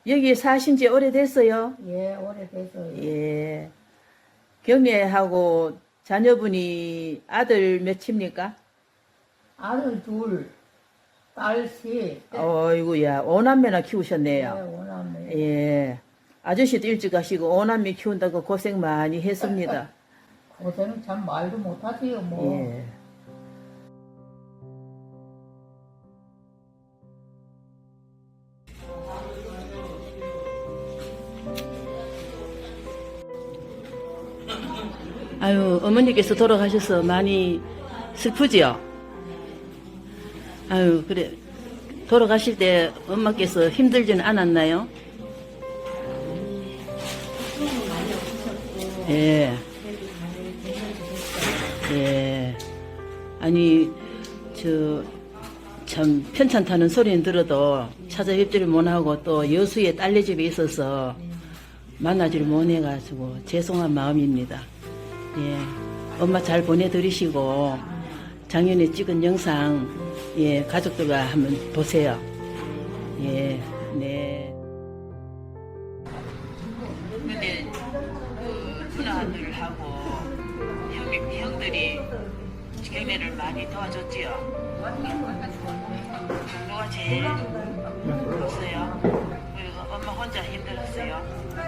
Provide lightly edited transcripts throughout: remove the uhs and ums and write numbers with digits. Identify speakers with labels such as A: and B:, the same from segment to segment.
A: 여기 사신 지 오래됐어요?
B: 예, 오래돼서요.
A: 예. 경례하고 자녀분이 아들 몇입니까?
B: 아들 둘, 딸 셋.
A: 어이구야, 오남매나
B: 예,
A: 키우셨네요.
B: 오남매.
A: 예. 아저씨도 일찍 가시고 오남매 키운다고 고생 많이 했습니다.
B: 고생은 참 말도 못하지요, 뭐.
A: 예. 아유, 어머니께서 돌아가셔서 많이 슬프지요? 아유, 그래. 돌아가실 때 엄마께서 힘들지는 않았나요? 예. 예. 아니, 참, 편찮다는 소리는 들어도 찾아뵙지를 못하고 또 여수에 딸네 집에 있어서 만나지를 못해가지고 죄송한 마음입니다. 예. 엄마 잘 보내드리시고 작년에 찍은 영상, 예, 가족들과 한번 보세요. 예, 네. 근데 그 누나들하고 형들이 경례를 많이 도와줬지요. 누가 제일 힘들었어요? 그리고 엄마 혼자 힘들었어요?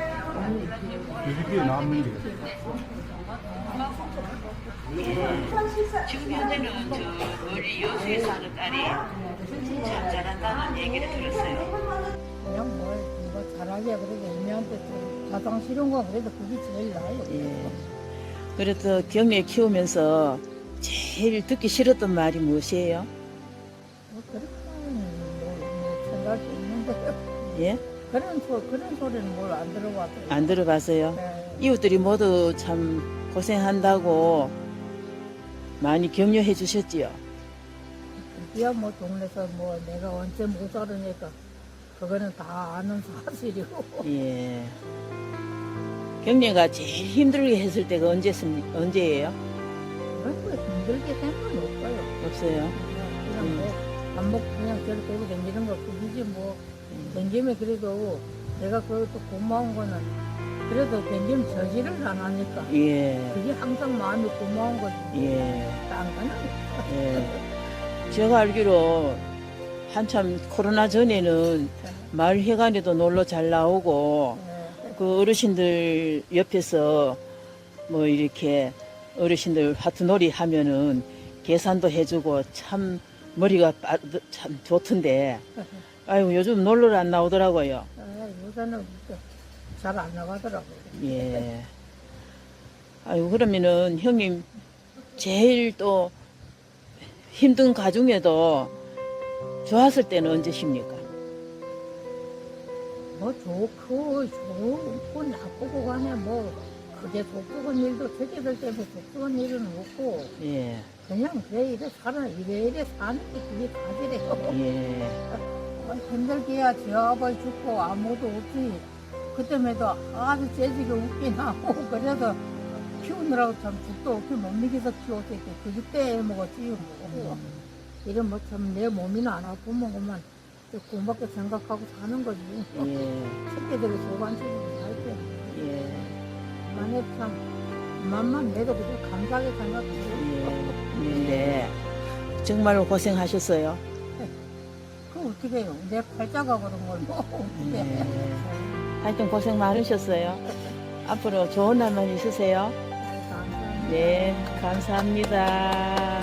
C: 이게 남는 게.
A: 지금 현재는 저 멀리 여수에 사는 딸이 참 잘한다는 얘기를 들었어요.
B: 그냥 뭐 잘하게 그래도 애미한테 좀 가장 싫은 거 그래도 그게 제일 나아요.
A: 예. 그래도 경례 키우면서 제일 듣기 싫었던 말이 무엇이에요?
B: 뭐 그렇게는 생각할 수 있는데
A: 예?
B: 그런 소리는 뭘 안 들어봤어요.
A: 안 들어봤어요?
B: 네.
A: 이웃들이 모두 참 고생한다고 많이 격려해 주셨지요.
B: 드디어 뭐 동네에서 뭐 내가 언제 못 살으니까 그거는 다 아는 사실이고.
A: 예. 경례가 제일 힘들게 했을 때가 언제예요?
B: 그런 거 힘들게 생각은 없어요.
A: 없어요.
B: 그냥 뭐 밥 먹고 그냥 저렇게 되고 댕기는 거 그거지 뭐. 댕기면 그래도 내가 그것도 고마운 거는 그래도 댕기면 저지를 안 하니까
A: 예.
B: 그게 항상 마음이 고마운 거지.
A: 예.
B: 딴 거는
A: 예. 제가 알기로 한참 코로나 전에는 마을 회관에도 놀러 잘 나오고 그 어르신들 옆에서 뭐 이렇게 어르신들 하트놀이 하면은 계산도 해주고 참 머리가 참 좋던데 아유 요즘 놀러 안 나오더라고요.
B: 요새는 잘 안 나가더라고요.
A: 예. 아유 그러면은 형님 제일 또 힘든 가중에도 좋았을 때는 언제십니까?
B: 뭐 좋고 나쁘고 간에 뭐 그게 독특한 일도 새끼들 때문에 독특한 일은 없고
A: 예.
B: 그냥 그래 이래 살아 이래 사는 게 그게 다지래요.
A: 예.
B: 힘들게야 저 아버지 죽고 아무도 없지 그때에도 아주 재지게 웃긴 하고 그래도 키우느라고 참 죽도 없이 못 먹여서 키웠을 그때 먹었지 뭐. 이런 뭐 참 내 몸이나 안 아프면 그만 고맙게 생각하고 사는 거지.
A: 예.
B: 새끼들이 소관치지 할때
A: 예.
B: 만에 참 맘만 내도 그냥 감사하게 생각하고
A: 예. 네. 정말로 고생하셨어요.
B: 그 어떻게 해요? 내 팔자가 그런 걸 뭐 어떻게 해.
A: 네. 하여튼 고생 많으셨어요. 앞으로 좋은 날만 있으세요.
B: 감사합니다.
A: 네, 감사합니다.